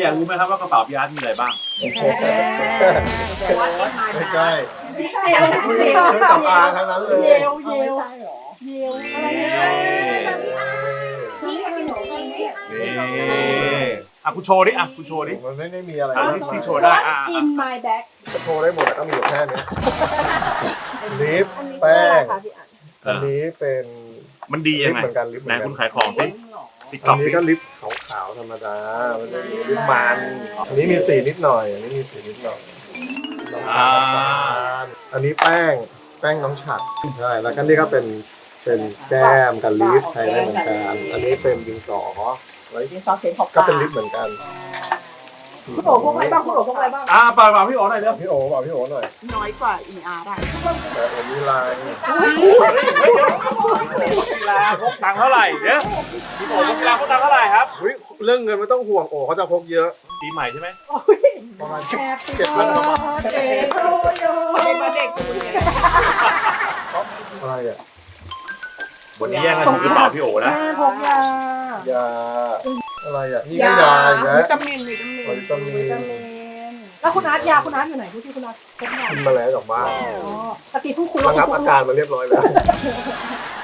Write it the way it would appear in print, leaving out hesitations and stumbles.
ากรู้ไหมครับว่ากระเป๋าพี่อาร์ตมีอะไรบ้างไม่ใช่เยลเครื่องสำอางทั้งนั้นเลยเยลเยลเยลอะไรเนี่ยอ่ะคุณโชว์ดิอ่ะคุณโชว์ดิมันไม่ได้มีอะไรที่โชว์ได้อินไมล์แบ็กจะโชว์ได้หมดแต่ก็มีอยู่แค่นี้ลิปแป้งอันนี้เป็นมันดียังไงเหมือนกันลิปเหไหนมือนกัคุนณขายของสิติ๊กต็อัอน กนี้ก็ลิปขาวๆธรรมดามันจะมีลิปมันอันนี้มีสีนิดหน่อยอันนี้มีสีนิดหน่อยอันนี้แป้งน้องฉัดใช่แล้วก็นี่ก็เป็นแก้มกับลิปใช้ได้เหมือนกันอันนี้เป็นดินสอไว้ดินสอเขียนขอบก็เป็นลิปเหมือนกันคุณโอ๋พวกอะไรบ้างคุณโอ๋พวกอะไรบ้างเปล่าพี่โอ๋หน่อยเร็วพี่โอ๋บอกพี่โอ๋หน่อยน้อยกว่า ER ได้แต่ผมมีลายกีฬาพกตังค์เท่าไหร่เนี่ยพี่โอ๋กีฬาพกตังค์เท่าไหร่ครับอุ๊ยเรื่องเงินไม่ต้องห่วงโอ๋เขาจะพกเยอะปีใหม่ใช่ไหมประมาณแฮปปี้เจ็ดพันกว่าบาทเดย์ทูยูเด็กอะไรอ่ะวันนี้แย่งกันถือกระเป๋าพี่โอ๋นะแม่พกยายาอะไรอ่ะนี่ก็ยาอีกแล้ววิตามินวิตามินแล้วคุณอาร์ตยาคุณอาร์ตอยู่ไหนที่คุณอาร์ตพกยากินมาแล้วจากบ้านอ๋อตะกี้เพิ่งคุยระว่างับอาการมาเรียบร้อยแล้วค